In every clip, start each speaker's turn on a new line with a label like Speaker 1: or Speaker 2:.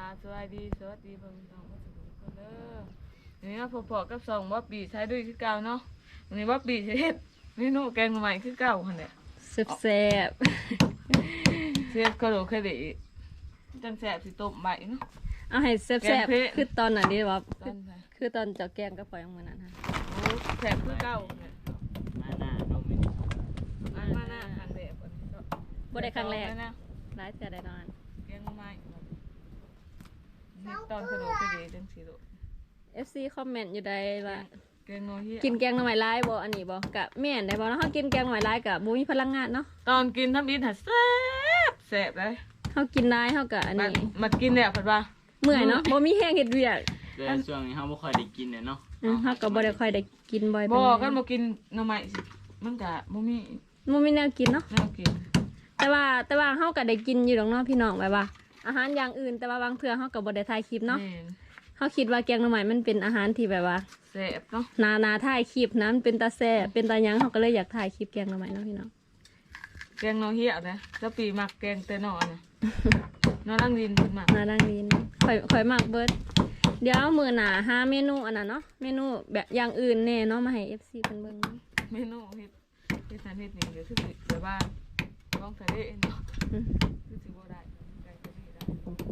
Speaker 1: สวัสดีสวัสดีเพิ่นน้องมาสุขทุกคนเด้อนี่เนาะพอๆกับ2บ่ปีใช้ด้วยคือเก่าเนาะวันนี้บ่ปีสิเฮ็ดเมนูแกงใหม่คือเก่าหั่นแหละ
Speaker 2: แซ่บ
Speaker 1: เสียบกระโดดเคยได้จังแซ่บสิต้มใบเนาะ
Speaker 2: เอาให้แซ่บๆคือตอนไหนดีวะ
Speaker 1: ตอนไหน
Speaker 2: คือตอนเจ้าแกงกับปล่อยมื้อนั้นฮะ
Speaker 1: โอ้แซ่บคือเก่าเนี่ย
Speaker 3: มาหน้าน้องมิน
Speaker 1: มาหน้าครั้งแรกวันนี้ก็
Speaker 2: บ่ได้ครั้งแรก
Speaker 1: นะ
Speaker 2: หลายเทื่อได้นอน
Speaker 1: แกงใหม่นี่ตอนกระโดดเคยได้จังสิโล
Speaker 2: FC คอมเมนต์อยู่ใดว่า
Speaker 1: แกงโนเฮีย
Speaker 2: กินแกงหน่อไม้ลายบ่อันนี้บ่กะแม่นได้บ่เนาะเฮากินแกงหน่อไม้ลายกะบ่มีพลังงานเนาะ
Speaker 1: ตอนกินทำอินหาแซ่บแซ่บเลย
Speaker 2: เฮากินลายเฮากะอันนี้
Speaker 1: มากินเนี่ยเพิ่นว่า
Speaker 2: เมื่อยเนาะบ่มีแรงเฮ็ดเวียก
Speaker 3: แต่ช่วงนี้เขาไม่ค่อยได้กินเนี่ยเนาะ
Speaker 2: เฮาก็บ่ได้ค่อยได้กินบ่อย
Speaker 1: บ่กันบ่กินหน่อไม้สิมันก็บ่มี
Speaker 2: แนวกินเนาะ
Speaker 1: แนวกิน
Speaker 2: แต่ว่าเฮาก็ได้กินอยู่ดอกเนาะพี่น้องแบบว่า อาหารอย่างอื่นแต่ว่าบางเทื่อเฮาก็บ่ได้ถ่ายคลิปเนาะ
Speaker 1: แม่น
Speaker 2: เฮาคิดว่าแกงหน่อไม้มันเป็นอาหารที่แบบว่า
Speaker 1: แซ่บเนาะ
Speaker 2: นาถ่ายคลิปนะมันเป็นตาแซ่บเป็นตาหยังเฮาก็เลยอยากถ่ายคลิปแกงหน่อไม้เนาะพี่น้อง
Speaker 1: แกงโนเฮียนะแล้วปีมักแกงแต่นอนะนอนั่งดินเพิ่นมัก
Speaker 2: นาดังดินข่อยมักเบิดเดี๋ยวมื้อหน้าหาเมนูอันนั้นเนาะเมนูแบบอย่างอื่นแน่เนาะมาให้ FC เพิ่นเบิ่งเนาะ
Speaker 1: เมนูเฮ็ดสันเฮ็ดนี่ก็คือสิแบบว่าท้องทะเลเนาะ
Speaker 2: อืม
Speaker 1: คือสิบ่ได้ไก่ทะเลได้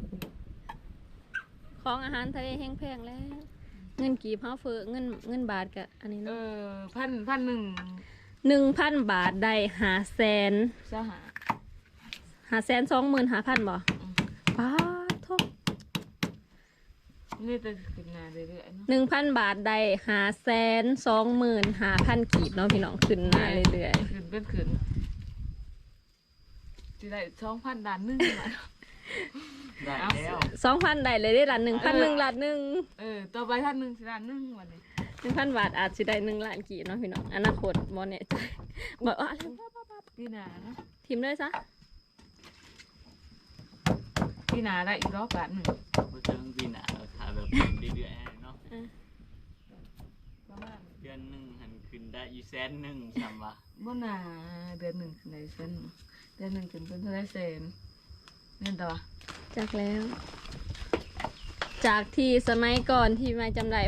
Speaker 2: ของอาหารทะเลแห้งแพงแล้วเงินกีบเฮาเฟ้อเงินบาทก็อันนี้เนาะ
Speaker 1: พันหนึ่ง
Speaker 2: 1,000 บาทได้500,000
Speaker 1: สหา
Speaker 2: 525,000บ่ป๊าดโท
Speaker 1: นี่จะขึ้นหน้าเรื่อยๆเนาะ
Speaker 2: 1,000 บาทได้525,000กีบเนาะพี่น้องขึ้นมาเรื่อย
Speaker 1: ขึ้นเป็นขึ้นสิได้2,000 ล้านหนึงมา
Speaker 3: ได้แล้ว
Speaker 2: ๆ 2,000ได้เลยได้ล้านหนึ่งพันหนึ่งล้านหนึ่ง
Speaker 1: ต่อไปท่านหนึงสิล้านหนึงวันนี้
Speaker 2: 1,000 บาทอาจสิได้1 ล้านกีบเนาะพี่น้องอนาคตบ่แน่ใจบอกว่าอะไร
Speaker 1: ปีหน้าเนาะ
Speaker 2: ทีมเลยซะ
Speaker 1: ปีหน้าได้อีกรอบ1,000,000
Speaker 3: เพราะฉะนั้นปีหน้าเราถ่ายแบบเรื่อยๆเนาะ
Speaker 1: ประมาณ
Speaker 3: เดือนหนึ่งหันขึ้นได้100,000จำว่า
Speaker 1: บ่น่าเดือนหนึ่งขึ้นได้เส้นเดือนหนึ่งขึ้นเป็นเท่าไรแสนเงินต่อ
Speaker 2: จากแล้ว จากที่สมัยก่อนที่มาจำได้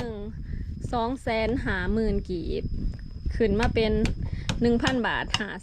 Speaker 2: 1,250,000 กีบขึ้นมาเป็น 1,000 บาท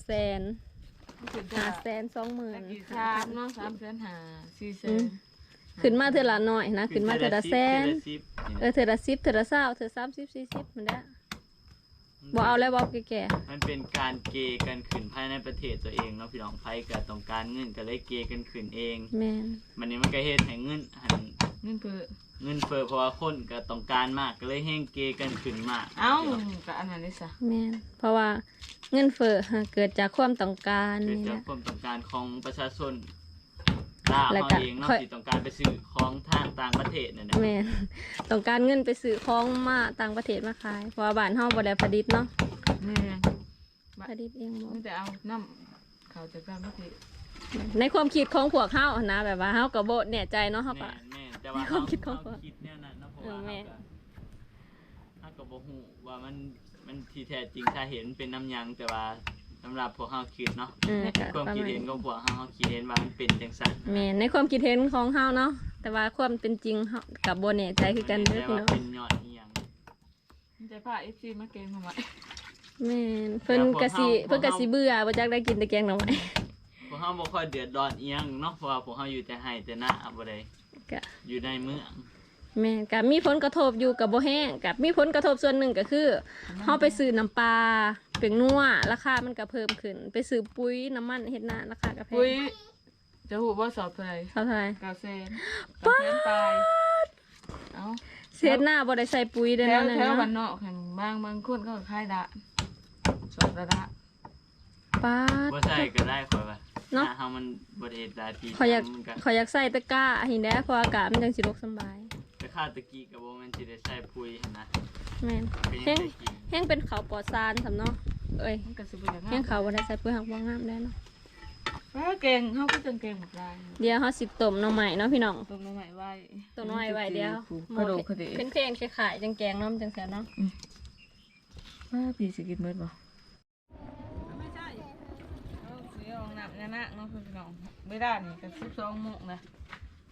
Speaker 2: 500,000
Speaker 1: ขึ้น
Speaker 2: 520,000
Speaker 1: กี่ชามเนาะ3,500,000 4,000,000
Speaker 2: ขึ้นมาเท่าละน้อยนะขึ้นมาเท่าละแสน
Speaker 3: เทื่อละ10
Speaker 2: เท่าละ10เท่าละ20เท่าละ30 40มันได้บ่เอาแล้วบ่แก่
Speaker 3: มันเป็นการเกย์กันขึ้นภายในประเทศตัวเองเนาะพี่น้องไผก็ต้องการเงินก็เลยเกย์กันขึ้นเอง
Speaker 2: แม่น
Speaker 3: มันนี้มันก็เฮ็ดให้เงินหัน
Speaker 1: เงินเพื่อ
Speaker 3: เงินเฟ้อเพราะว่าคนก็ต้องการมากก็เลยแห้งเกย์กันขึ้นมาก
Speaker 1: เอ้าก็อันนั้นได้ซะ
Speaker 2: แม่นเพราะว่าเงินเฟ้อเกิดจากความต้องการ
Speaker 3: เกิด
Speaker 2: นี่
Speaker 3: จาก
Speaker 2: แหละ
Speaker 3: ความต้องการของประชาชนลาว
Speaker 2: แล้ว
Speaker 3: เฮา
Speaker 2: ก็
Speaker 3: เองเนาะ
Speaker 2: ค่อย
Speaker 3: ที่ต้องการไปซื้อของทางต่างประเทศนั่นแหละ
Speaker 2: แม่นต้องการเงินไปซื้อของมาต่างประเทศมาขายเพราะว่าบ้านเฮาบ่ได้ผลิตเนาะ
Speaker 1: แม่
Speaker 2: ผลิตเองบ่
Speaker 1: มันจะเอาน้ำเขาจะกล้ามาที
Speaker 2: ในความคิดของพวกเฮานะแบบว่าเฮาก็บ่แน่ใจเนาะเฮาก็
Speaker 3: แม่นแต่ว่า
Speaker 2: ความคิดของ
Speaker 3: เฮาคิดแนวนั้นเนาะเพราะว่า
Speaker 2: แม่
Speaker 3: เฮาก็บ่ฮู้ว่ามันที่แท้จริงถ้าเห็นเป็นน้ำหยังแต่ว่าสำหรับพวกเฮาคิดเนาะ
Speaker 2: ก็
Speaker 3: ความ
Speaker 2: ประ
Speaker 3: คิด
Speaker 2: มาณ
Speaker 3: เห็นของพวกเฮาคิดเห็นว่ามันเป็นจังซั่น
Speaker 2: แม่นในความคิดเห็นของเฮาเนาะแต่ว่าความเป็นจริงเฮาก็บ่แน่ใจคือกันเด้อ
Speaker 3: แต่
Speaker 2: พี่
Speaker 3: ว่า
Speaker 2: น้อง
Speaker 3: เป็นยอดอีหยัง
Speaker 1: มันจะพา FC มาเกงทำไม
Speaker 2: แม่นเพิ่นก็สิเบื่อบ่จักได้กินแต่แกงหน่อไม้
Speaker 3: พวกเฮาบ่ค่อยเดือดร้อนอีหยังเนาะเพราะว่าพวกเฮาอยู่แต่ไร่แต่นาบ่ได้
Speaker 2: ก็
Speaker 3: อยู่ในเมือง
Speaker 2: แม่กับมีผลกระทบอยู่กับบ่แห้งกับมีผลกระทบส่วนหนึ่งก็คือเฮาไปซื้อน้ำปลาเป็นนัวราคามันก็เพิ่มขึ้น ไปซื้อปุ๋ยน้ำมันเฮ็ดนาราคาก็แพ
Speaker 1: ปุ้ย
Speaker 2: ง
Speaker 1: จะหูว่าสอบเท่าไหร่
Speaker 2: เท่าไหร่
Speaker 1: 900,000 900,000ปลายเอ้า
Speaker 2: เสียหน้าบ่ได้ใส่ปุ๋ยเด้อ
Speaker 1: แถว
Speaker 2: นั่น
Speaker 1: แถวบ้าน
Speaker 2: เนาะ
Speaker 1: นอกแห่งบางคนก็ขายดะสอบระดะ
Speaker 2: ป้าด
Speaker 3: บ่ใช่ก็ได้ข่อยว่า
Speaker 2: เนาะ
Speaker 3: เฮามันบ่ได้เฮ็ดหลายปี
Speaker 2: ขอยอยาก
Speaker 3: มันก็
Speaker 2: ขอยอยากใส่ตะกร้าหินแด้เพราะอากาศมันจังสิรกสำบาย
Speaker 3: แต่ข้าวตะกี้ก็บ่แม่นสิได้ใช้ปุ๋ยหั่นนะ
Speaker 2: แม่น
Speaker 3: ก็ยัง
Speaker 2: แห้ง
Speaker 3: ได้กิน
Speaker 2: แห้งเป็นข้าวปลอดสารสำเนาะเอ้ย
Speaker 1: มันก็สิบ่อย่าง
Speaker 2: แห้งข้าวบ่ได้ใส่ปุ๋ยหักบ่งามได้เนาะ
Speaker 1: เก่งเฮาก็จังเก่งหมดลาย
Speaker 2: เดี๋ยวเฮาสิต้มหน่อไม้เนาะพี่น้อง
Speaker 1: ตรงน้องใหม่ไว้
Speaker 2: ต้มหน่อไม้ไว้เดียว
Speaker 1: กระโดดคดี
Speaker 2: เป็นเพลงขายๆจังแกงเนาะมันจังแซ่บเนาะ
Speaker 1: ว่าพี่สิกินมื้อบ่ไม่ใช่เอาสิเอาหนักนะเนาะพี่น้องไม่ได้นี่ก็12โมงนะ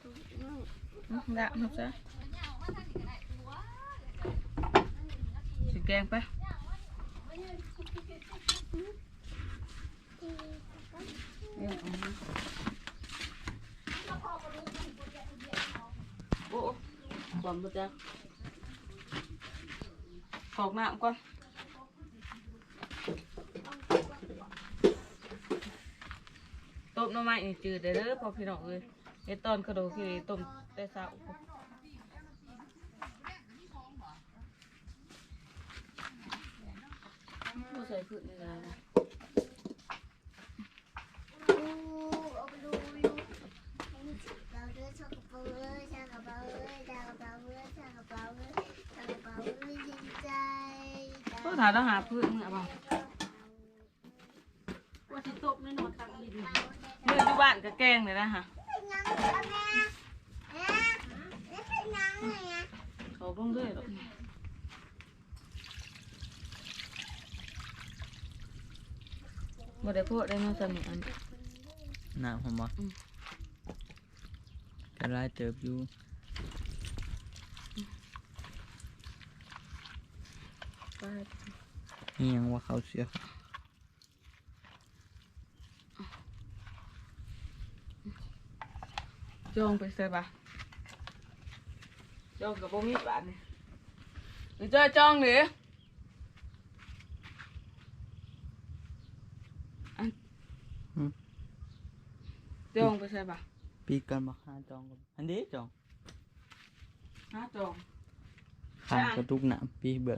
Speaker 1: ละครับจ้ะสิแกงไปโอ้บอมบ่จ้ะขอกน้ำก่อนต้มหน่อไม้นี่จืดเด้อพอพี่น้องเอ้ยไอ้ตอนกระโดดคือต้มแต่เช้าบ่ใส่พืชนี่นะก็ถามแล้วหาพืชมึงเอาบ่ว่าสิตบแน่นอนตักดินเมื่ออยู่บ้านก็แกงเลยนะฮะเขาต้องด้วยหรอกบ่ได้พูดได้มาสมิอัน
Speaker 3: น้ำผมบ่กระไรเติบอยู่ นี่ยังว่าเขาเสียค่ะ
Speaker 1: จองไปใส่ปะจองกับบ่มีบาทนี่หรือจะจองหรือจองไปใส่ปะ
Speaker 3: ปีกันมาหาจองกันอันนี้จอง
Speaker 1: หาจอง
Speaker 3: ข้างกระตุกหนามปีเบื่อ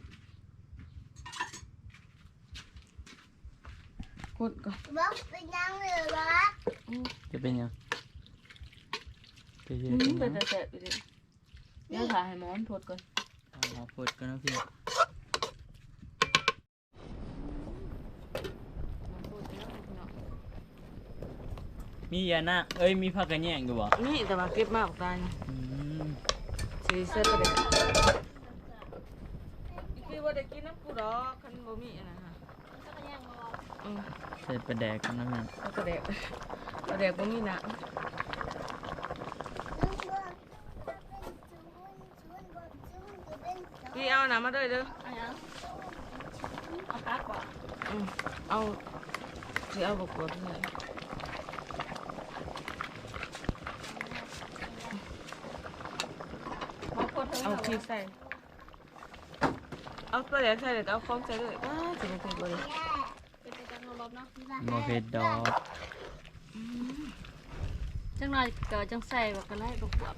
Speaker 1: กดก่อน
Speaker 4: เป็นยังเหลือวะ
Speaker 3: จะเป็นยังไปเย
Speaker 1: มึ
Speaker 3: อะ
Speaker 1: ง
Speaker 3: จัง
Speaker 1: เป็น
Speaker 3: นะ
Speaker 1: แต่แสบไปดิเดี๋ยวถ่ายให้หมอนพดก่อน
Speaker 3: หมอพูดกันนะพี่มียานะเอ้ยมีผักกระแยงอยู่บ่
Speaker 1: นี่แต่ว่าเก็บมากตาย
Speaker 3: อืม
Speaker 1: สีเส้นประเด็นคือว่าได้กินน้ำกูดอกคันบ่มีอันนะฮะ
Speaker 3: ใส่ปลาแดกกันนะพี่
Speaker 1: แล้วก็แดกบ่มีหนังพี่เอาหนังมาด้วยเด้อ
Speaker 2: เอาพักก่อน
Speaker 1: เอาสิเอาบกบเลยเอาพริกใส่เอาตัวแดกใส่เดี๋ยวเอาของใส่ด้วยว้าจะมาเป็นบ่เลย
Speaker 2: เป็นไปจังรอบเนาะ
Speaker 3: บ่เผ็ดดอก
Speaker 2: จังหน่อยก็จังใส่บักกะไล่บักบวบ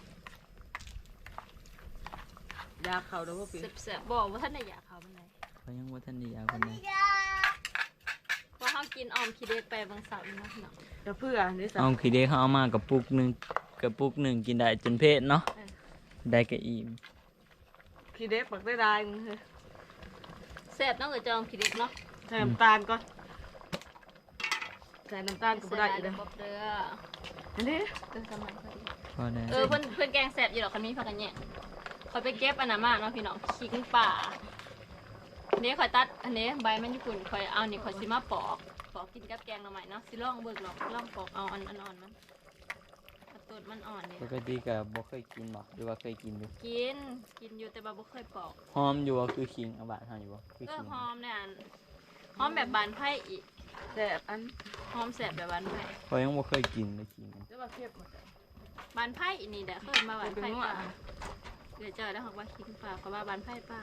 Speaker 1: ยาเขาเด้อบ่ปี
Speaker 2: แซ่บๆบอกว่าท่านได้อยากเขาเป็นไร
Speaker 3: เขายังว่าท่านดียาคนนี้
Speaker 2: เพราะเขากินออมคิเดไปบางเสาร์เนาะเนาะ
Speaker 1: จะเพื่อนี่สั
Speaker 3: เอาขี้เด็กเขาเอามากระปุกหนึ่งกินได้จนเพศเนาะได้กระอิ่ม
Speaker 1: ขี้เด็กปักได้มึงเฮ้ย
Speaker 2: แซ่บต้องเกิดจองคิเดเนาะ
Speaker 1: ใส่น้ำตาลก่อนใส่น้ำตาลก็บ่ได้อีก
Speaker 2: เล
Speaker 1: เด้
Speaker 2: ย
Speaker 1: อ
Speaker 2: เด้อ
Speaker 1: อันนี้
Speaker 2: กำลังพอดี
Speaker 3: พอได้
Speaker 2: เพื่อนแกงแซ่บอยู่หรอกคันนี้พักกันเนี่ยคอยไปเก็บอันนั้นมาเนาะพี่น้องขิงป่าอันนี้คอยตัดอันนี้ใบมันญี่ปุ่นคอยเอานี่คอยซิมาปอกกินกับแกงหน่อไม้เนาะสิลองเบิกลองปอกเอาอันอ่อนมันตูดมันอ่อนเนี่ย
Speaker 3: ปกติก็บ่เคยกินบ่หรือว่าเคยกินอยู่
Speaker 2: กินอยู่แต่บ่เคยปอก
Speaker 3: หอมอยู่ว่าคือขิงเอาบาดเฮาอยู่บ่คือขิง
Speaker 2: หอมเนี่ยหอมแบบบานไผ่อีก
Speaker 1: แซ่บอัน
Speaker 2: หอมแสบแบบบานไผ่
Speaker 3: เขายังบ่เคยกินเลยขิง
Speaker 1: จะว่าเค็มหมด
Speaker 2: บานไผ่อีนี่เด้อเคยมาบานไผ่ป่าเดี๋ยวเจอแล้วเขาว่าขิงป่าเขาว่าบานไผ่ป่า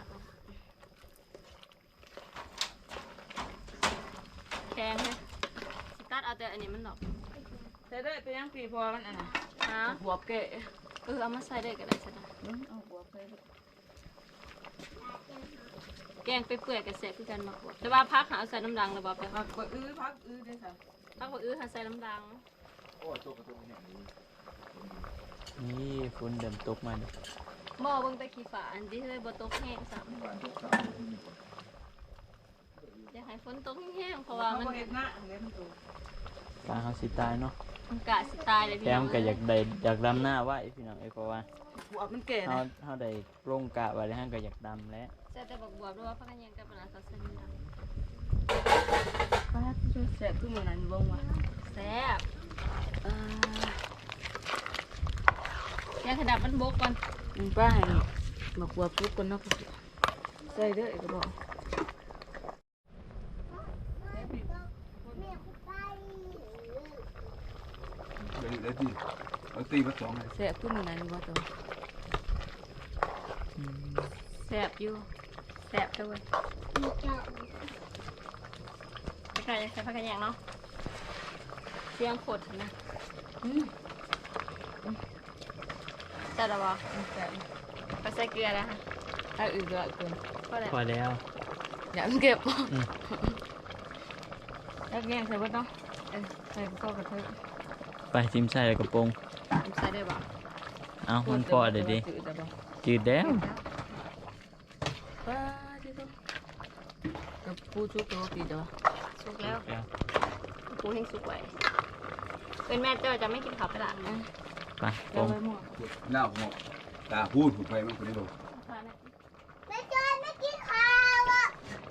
Speaker 2: แข็งเลยสิตัดเอาแต่อันนี้มันหรอก
Speaker 1: ใส่ได้ไปยังปีพอมันอันน่ะ
Speaker 2: ฮะ
Speaker 1: บวบแกะ
Speaker 2: เอามาใส่ได้ก็ได้สินะ
Speaker 1: เอาบวบไป
Speaker 2: แกงไปเปื่อยกับแสบคือกันมากกว่าแต่ว่าพักหาเอาใส่น้ำดังเลยบอกไป
Speaker 1: พักบ่พักได้ค่ะ
Speaker 2: พักว่าหาใส่น้ำดัง
Speaker 3: นี่ฝนเดิมตกมาดิ
Speaker 2: หม้อเบิ่งแต่ขี้ฝาอันที่เลยบ่ตกแห้งซ้ำอยากให้ฝนตกแห้งเพราะว่ามัน
Speaker 1: เฮ็ดหน้าเฮ็ดมันตู
Speaker 3: ปลาเฮาสิตายเนาะ
Speaker 2: มันกะสิตายเลยพี่
Speaker 3: แถ
Speaker 2: น้
Speaker 3: ม
Speaker 2: อง
Speaker 3: ก็อยากดำหน้าไว้พี่น้องเพราะว่า
Speaker 1: บวบมันแก่
Speaker 3: เฮา
Speaker 1: นะ
Speaker 3: เฮาได้โรงกะไว้แล้วเฮาก็อยากดำแล้ว
Speaker 2: ใส่แต่บักบวบด้วยว่าพักกันยังกับปลาใส่น้ำดัง
Speaker 1: ป้าแซ่บขึ้นมานั้นบ่ว่า
Speaker 2: แซ่บให้ขดับมันบกก่อน
Speaker 1: ป้าให้มาขวบทุกคนเนาะใส่เด้อก็บอก
Speaker 5: เดี๋ยวตีเอาตีมาสองเลย
Speaker 1: แซ่บขึ้นมาไหนบ่ตัว
Speaker 2: แสบอยู่แสบด้วยไปไก่ใส่ผักกระแยงเนาะเสียงขดนะจัดหรอวะ
Speaker 1: แซ่บ
Speaker 2: ไปใส่เกลือแล้วค่ะ
Speaker 1: ถ้าอื่นก็เกิน
Speaker 2: ก็เลย
Speaker 3: พอแล้ว
Speaker 1: อย่าเก็บแล้วแกงใส่บ่เนาะใส่ก็กระเทย
Speaker 3: ไปจิ้มใส่กระโปรง
Speaker 2: ใส่ได้ปะ
Speaker 3: เอามันพอเดี๋ยวดิจืดแล้ว
Speaker 1: ป้าที่ต้องกับปูชุบตัวปีเดียว
Speaker 2: สุกแล้วปูแห้งสุกไว้เป็นแม่เจ้าจะไม่กินข้าวไปละ
Speaker 3: ไปโป
Speaker 1: แล้
Speaker 3: ร
Speaker 1: ว
Speaker 3: ง
Speaker 1: ไว้หมด
Speaker 5: หน้าผมตาพูดผมไปมันคนนี้ดู
Speaker 4: ไม่จอยไม่กินข้าวอ่ะ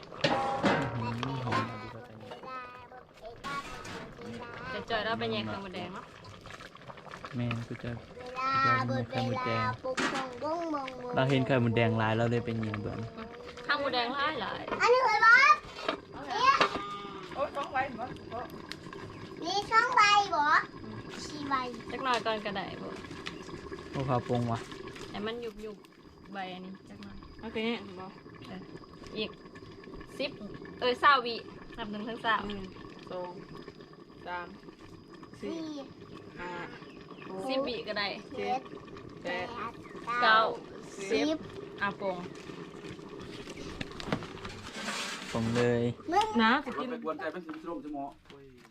Speaker 2: จะจอยเราเป็นแยงไข่มดแดงเนาะ
Speaker 3: แม่กูจะ
Speaker 4: เวลาเบิดเวลาปุ๊บมงบงมง
Speaker 3: เราเห็นไข่มดแดงลายเราเลยเป็นยิงเบิ่ง
Speaker 2: ข้าวมดแดงหลายหลาย
Speaker 4: อันนี้เคยบอก
Speaker 1: โอ้ยต้องไว้บ่
Speaker 4: นี่ช่องใบบอกชีใบ
Speaker 2: จักหน่อยก่อนกระไดบ่
Speaker 3: โอ้ข้าวโปรงวะ
Speaker 2: แต่มันยุบใบอันนี้จักหน่อย
Speaker 1: โอเคเนี่ยบ่
Speaker 2: อีก20วินับ1 ถึง 3
Speaker 1: 2 3
Speaker 4: สี่
Speaker 1: 4
Speaker 2: 10 วิก็ได้
Speaker 4: เจ็ด
Speaker 1: 5
Speaker 4: แปด
Speaker 2: เก้า
Speaker 4: สิบ
Speaker 2: อาโปง
Speaker 3: โปรงเลย
Speaker 1: นะจะ
Speaker 5: กิ
Speaker 1: กิ
Speaker 5: น
Speaker 1: น
Speaker 5: ไปกวนใจเป็นสิบสมอ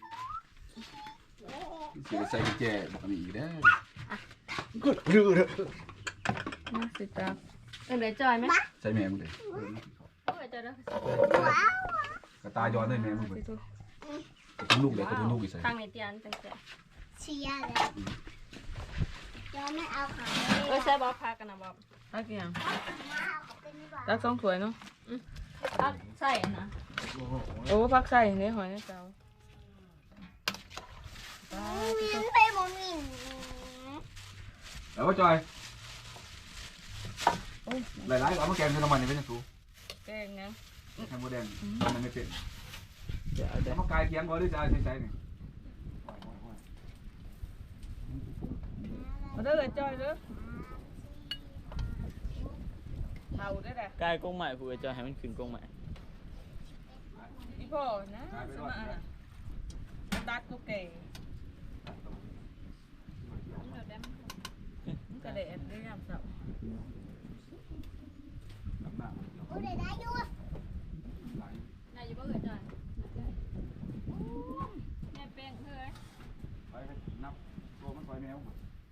Speaker 5: เสียใส่กุญแจบอกมีอีกได้ก็ดื้อเลย
Speaker 1: นะสิตา
Speaker 2: เดี๋ยวจอยไหม
Speaker 5: ใส่แม่มึงเลย
Speaker 2: โอ้ยจอยเด้อ
Speaker 4: ว้าว
Speaker 5: กระตายย้อนได้แม่มึงเลยกระตุ้นลูกเลยกระตุ้นลูกอีกใส่
Speaker 2: ตั้งในเตียนตั้งแต่
Speaker 4: เชียร์เลยยอมไม่เอาขาเลย
Speaker 2: ใส่บ๊อบพากันนะบ๊อบ
Speaker 1: ตักอย่าง
Speaker 4: มาเอาขาเป็นดีกว่า
Speaker 1: ตักสองถ้วยเนาะ
Speaker 2: ใส่นะ
Speaker 1: โอ้พักใส่เนี่ยหอยนะเจ้า
Speaker 4: มินไปโมมิน
Speaker 5: แล้วว่าจอยหลายๆเอามาแกงคือน้ำมันนี่เป็นยังสู
Speaker 1: แกงนะ
Speaker 5: แกงโมเดลมันไม่เป็น
Speaker 3: เดี๋ยว
Speaker 5: แล้วมากายเคียงบ่ได้จะใช้นี่
Speaker 1: มาเด้อจอยเด้อเผาได้แหละ
Speaker 3: กายกงใหม่ผู้จะให้มันขึ้นกงใหม่
Speaker 1: อีพ่อนะสมาอ่ะตัดกูเก๋มันกระเด็นได้ยามเสาร์
Speaker 4: กูได้ได้อยู่
Speaker 2: นายอยู่บ่เอ่ยจอยแม่เป้งเฮ้ย
Speaker 5: ไปนับโตมันไปแมว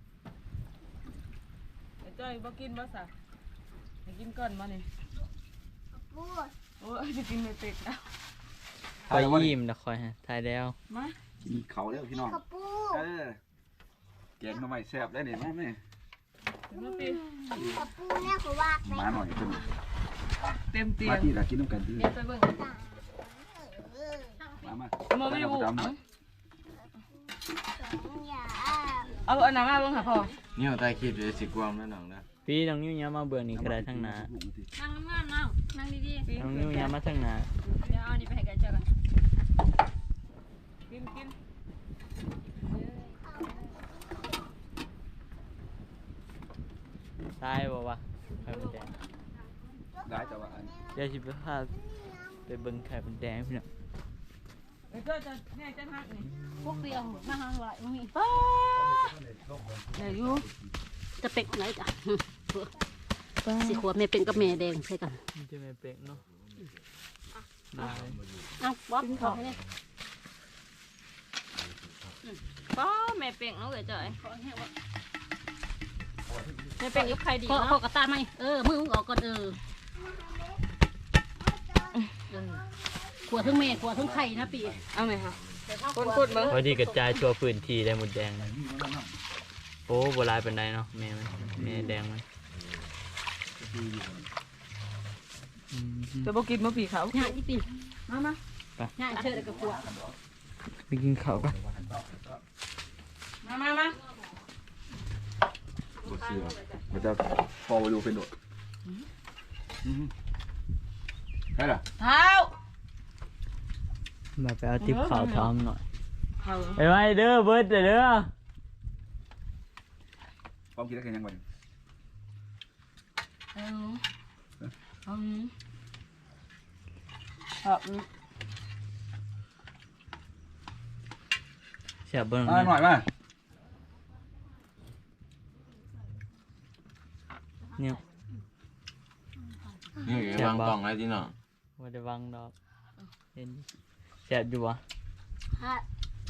Speaker 1: จอยบ่กินบ่สะให้กินก่อนมานี่
Speaker 4: พูด
Speaker 1: โอ้ยจะกินไม่เป็ดอ่ะ
Speaker 3: ไปยิ้มนะคอยฮะถ่ายแล้ว
Speaker 1: มา
Speaker 5: กินเขาแล้วพี่น้อง
Speaker 4: ขับปู
Speaker 5: แกงมาใหม่แซ่บได้เนี่ยแม่
Speaker 1: มาปี
Speaker 4: ขับปูเนี่ยเขาว่าไป
Speaker 5: มาหน่อยขึ้น
Speaker 1: เต็มเตีย
Speaker 5: มาง ที่ละกินน้ำกันที่
Speaker 2: เดี๋ยวไปเบิ่ง
Speaker 5: มา
Speaker 1: มาไม่รู้
Speaker 4: อย่า
Speaker 1: เอาอันนั้นมาเบิ่งค่ะพ่อ
Speaker 6: นี่เอาใต้คลิปเลยสิกวามแล้วน้องนะ
Speaker 3: พี่น้องนิ้วย้ำมาเบื่อนี่ก็ได้ทั้งหนา
Speaker 2: นั่งงามๆนั่งดี
Speaker 3: น้องนิ้วย้ำมาทั้งหนา
Speaker 2: ๆเดี๋ยวเอานี่ไปให้กันเจอกัน
Speaker 1: กินกิน
Speaker 3: ตายบ่วะไข่มดแดง
Speaker 5: ได้แต่ว่าอัน
Speaker 3: เดี๋ยวสิไปพาไปเบิ่งไข่มดแดงพี่น้อง
Speaker 1: เดี๋ยวจะแม่จะหักนี่
Speaker 2: พวกเดียวมาหาว่าบ่มี
Speaker 1: เดี๋ยวอยู่
Speaker 7: จะเป็กไหนจ้ะสิขวบแม่เป็นกับแม่แดงใช่กัน
Speaker 3: มันจะไม่เป็กเนาะได้
Speaker 7: เอ้าบ๊อบขอให้เนี่ย
Speaker 2: ป้าแม่เป้งเนาะเอ่ยจอยแม่เป้งยุบใครดี
Speaker 7: ขอ
Speaker 2: เนาะ
Speaker 7: ขอกระตาไหมมือมึงออกก่อนขวดทั้งแม่ขวดทั้งไข่นะปี
Speaker 1: เอาไหมคะคนพูดเบิ่ง
Speaker 3: พอดีกระจายทั่วพื้นที่ได้หมดแดงเลยโอ้โบราณเป็นไดเนาะแม่มันแม่แดงมัน
Speaker 1: จะบ่กินบ่ผีเขา
Speaker 7: ง่ายที่ปี
Speaker 1: มามา
Speaker 7: ง่ายเชิดกับขวด
Speaker 3: ไปกินข้าวกัน
Speaker 1: มามามา
Speaker 5: บดเสือมันจะพอไปดูเป็นโดดใช่หรอ
Speaker 1: เท้า
Speaker 3: มาไปเอาติ๊บข่าวทอมหน่อย
Speaker 1: เท้า
Speaker 3: ไปไว้เด้อเบิร์ดเด้อ
Speaker 5: ความคิดได้แค่ยังไง
Speaker 3: เสียเบิ้ง
Speaker 5: หน่อยมา
Speaker 3: เนี่ย
Speaker 6: นี่วางกล่องอะไรที่น้อง
Speaker 3: ว่าได้วางดอกเห็นเสียอยู่วะ
Speaker 4: ฮะ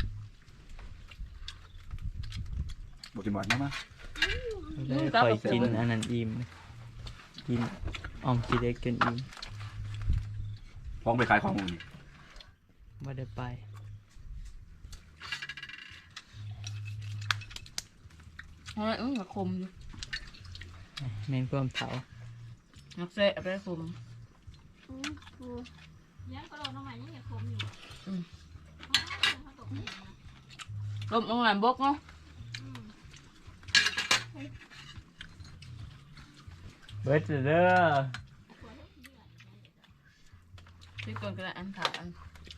Speaker 5: บทจิมบัตมา
Speaker 3: ได้คอยกินอันนั้นอิ่มกินออมกินเล็กจนอิ่ม
Speaker 5: พ้องไปขายของมึง
Speaker 3: ไม่ได้ไป
Speaker 1: เฮ้ยมันคมอยู่
Speaker 3: แมงความเผา
Speaker 1: นักเสะไปคม
Speaker 2: ยังกระโดดลงมายังอย่าคมอยู่
Speaker 1: ลมลงหลังบกเนาะ
Speaker 3: เบิร์ดเด้อ
Speaker 1: ที่ก่อนก็ได้อันขาอัน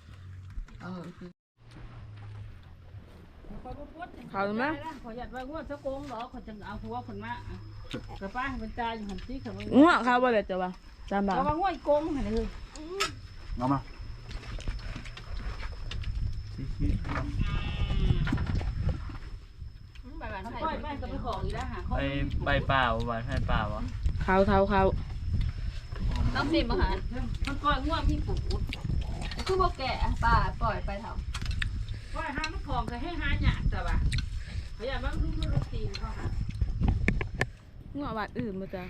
Speaker 1: เขาไหม
Speaker 7: ขอหยัดไว้ว่าสะโกงหรอขอจะเอาหัวคนมากระป้าเป็นตาอยู่หันที่เขา
Speaker 1: ง่วงเขาบ่เลยจ้ะวะจำได้
Speaker 7: เราว่าง่วยโกงหันเลย
Speaker 5: เอามา
Speaker 2: ใบหวานไทย
Speaker 7: ค่อยแม่ก็ไปของอีกแล้วหา
Speaker 3: ไปใบเปล่าหวานให้เปล่าวะ
Speaker 1: เขา
Speaker 2: ต้องสิบมาหา
Speaker 7: มันก้อยง่วงพี่ปู่
Speaker 2: คือบ่แก่ป่าปล่อยไปเถอะ
Speaker 7: ก้อยหามันของก็ให้หาหยาดแต่ว่าขอหยัดว่าลูกลูกตีเขาหา
Speaker 1: ง่วงบาดอื่นมาจ้ะ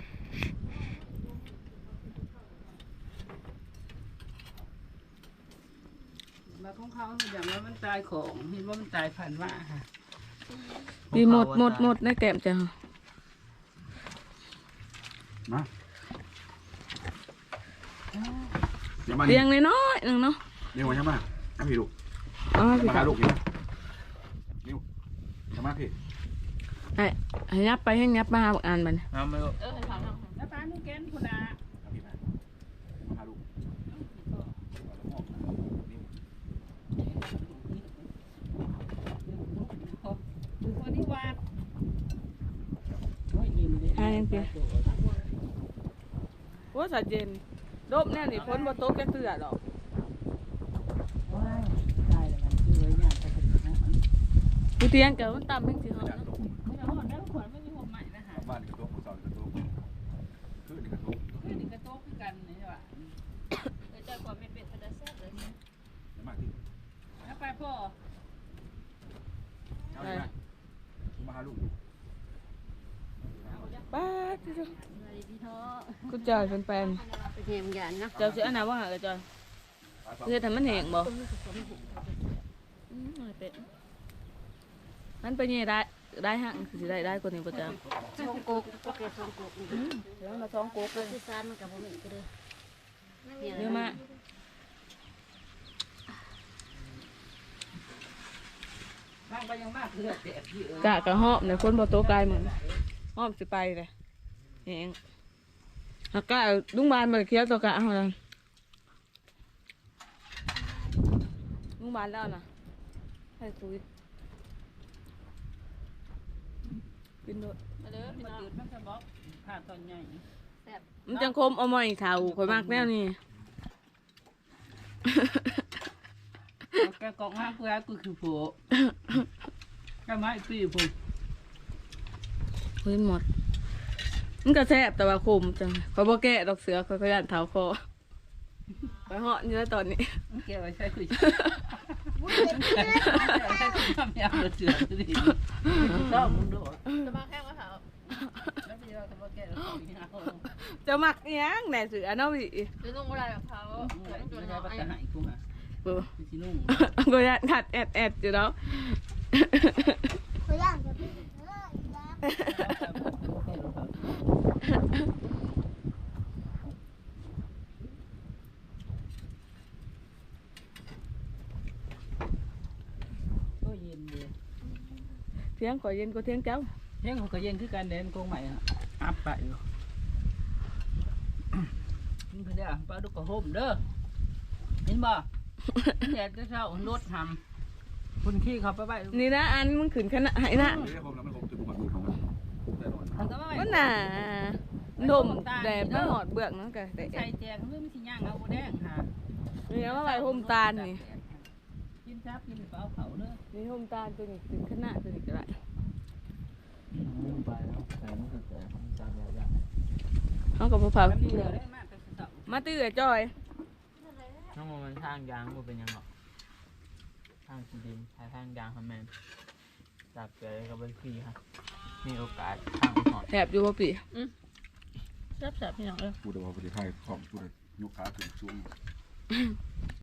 Speaker 7: มาของเขาอย่างว่ามันตายของเห็นว่ามันตายผ่านว่าค่ะ
Speaker 1: ดีหมดในแก้มจ้ะ
Speaker 5: มาเดี๋ยวมา
Speaker 1: เลี้ยงน้อยๆนึงเนาะ
Speaker 5: เดี๋ยวมาใช่ไหมให้พี่ลูก
Speaker 1: อ๋อพี่
Speaker 5: มาหาลูกนี่นิ้วใช่ไหมพี่
Speaker 1: ให้ยับไปให้ยับมาหาอ่านมัน
Speaker 3: น้ำไม่รู้
Speaker 2: ให้ฟังทาง
Speaker 7: แล้วป้านุ่งแกนคุณอา
Speaker 5: พี่มาหาลูก
Speaker 7: ดูคนที่วาดโอ้ยยินดี
Speaker 1: ว่าสาเจนดบเนี่ยนี่พ้นบ่ตกแค่เตือหรอก
Speaker 7: ว้ายตายแล้วมันคือไว้ยากไปถึงนั้น
Speaker 1: กูเตียงเกิดมันต่ำเป็นสิเหรอ
Speaker 5: จาก
Speaker 1: เนาะ
Speaker 5: ลูก
Speaker 7: ไม่เอาหอดแล้วขวัญไม่มีหัวใหม่นะฮะ
Speaker 5: บ้านนี่กระตุกเสานี่กระตุกคือนี่กระตุก
Speaker 7: คือนี่กระโต๊ะคือกันนี่ใช่ป่ะ
Speaker 2: เจอความเป็นเป็นกระแซ่บเลย
Speaker 5: ใช่ไหมพี่
Speaker 7: แล้วไปพ่อ
Speaker 5: เอาใช่ไหมมาหาลูก
Speaker 1: ป้าที่จ้ะ
Speaker 7: พี่ท้อ
Speaker 1: กูจ่ายเป็นแปลน
Speaker 7: เป็นเฮียมยันนะ
Speaker 1: เจ้าสิอันไหนว่าหาเลยจ้ะเฮ็ดให้มันแห้งบ่เป็ดมันเป็นยังไงได้ฮะคือสิได้กว่านี้บ่จ้ะ
Speaker 7: ช่องกุกโอเคช่องกุก
Speaker 1: แล้วมาท้องโกกเลย
Speaker 7: ที่ซานมันกับผมอีกก็เลย
Speaker 1: เยอะมาก
Speaker 7: บางไปยังมากเลือดแดดพี่เอ๋ย
Speaker 1: กะหอบเนี่ยคนบ่โตกายมึงหอบสิไปเลยแห้งหากกะลุงบานบ่ได้เคี้ยวตัวกะเฮานั่นลุงบานแล้วน่ะให้คุยกินโดด
Speaker 2: มาเด้อพี่
Speaker 7: มัน
Speaker 2: น้อง
Speaker 7: จืดมันจะบอกผ่าตอนใหญ่
Speaker 1: มันจังคมเอามาอีกเท่าข่อยมากแนวนี้
Speaker 7: แกกองห้ากูกูคือผัวแกไม้ปีผม
Speaker 1: เฮ้ยหมดมันก็แซ่บแต่ว่าคมจังข่อยบ่แกะดอกเสือข่อยก็ย่านเท้าคอข่อยเหาะอยู่แล้วตอนนี้
Speaker 7: แกไว้ใช้คุยใช้คุยทำยามเสือดีชอบมึงด้วย
Speaker 2: จะมาแค่ว่าเขา
Speaker 7: แล้วพี่เราจะมาแกเราอย่างนี้
Speaker 1: จะมักอิหยังแหน่เสือเนาะพี่
Speaker 2: จะนุ่งอะไรกับเขา
Speaker 7: ไม่ใช่ว่าจะหายกูอ่ะ
Speaker 1: เบิ่ง
Speaker 7: ที่นุ่ง
Speaker 1: ก็ย่านขัดแอดอยู่แล้ว
Speaker 4: เขาย่างจะพี่ย่าง
Speaker 7: ก็เย็นเลย
Speaker 1: เที่ยงข่อยเย็นกว่าเที่ยงเจ้า
Speaker 7: เย็นเขาก็เย็นคือการเดินโกงใหม่อัพไปอยู่นี่คือเด้อปลาดุกกระโฮมเด้อเห็นบ่แดดจะเช้ารถทำคนขี้เขาไปไป
Speaker 1: นี่นะอันมึงขืนขนาดไหนนะ
Speaker 5: เฮ้ยผมแล้วมันผมจะบุกมาดูของมันผมแต่นอน
Speaker 7: มันก็ไม่
Speaker 1: ว่าหนาดมแดดไม่หอดเบือกเนาะกะแต่
Speaker 7: ใส่แจงเรื่องสิย่างเอาแดงค่ะ
Speaker 1: นี่ว่าใบโฮมตาลนี่
Speaker 7: กินซับกินเปล่าเขาเด้อ
Speaker 1: นี่โฮมตาลตัวนี้ขืนขนาดตัวนี้ก็ได้
Speaker 3: ไปแล้วแต่มันคือแต่จำยาก
Speaker 1: เขากับพาวที่
Speaker 7: เดี๋ยวได้มากแต่เต่า
Speaker 1: มาตื้อจอย
Speaker 3: ๆน้องมันทางยางมันเป็นยังหรอทางสีดินทางยางครับแมนจับเจอกับเป็นพี่ครับมีโอกาสทางไปหอด
Speaker 1: แถบอยู่บ่ปี
Speaker 2: แซ่บๆพี่น้องเอ้ย
Speaker 5: พูดว่าประเทศไทยของพูดยุคขาถึงช่วง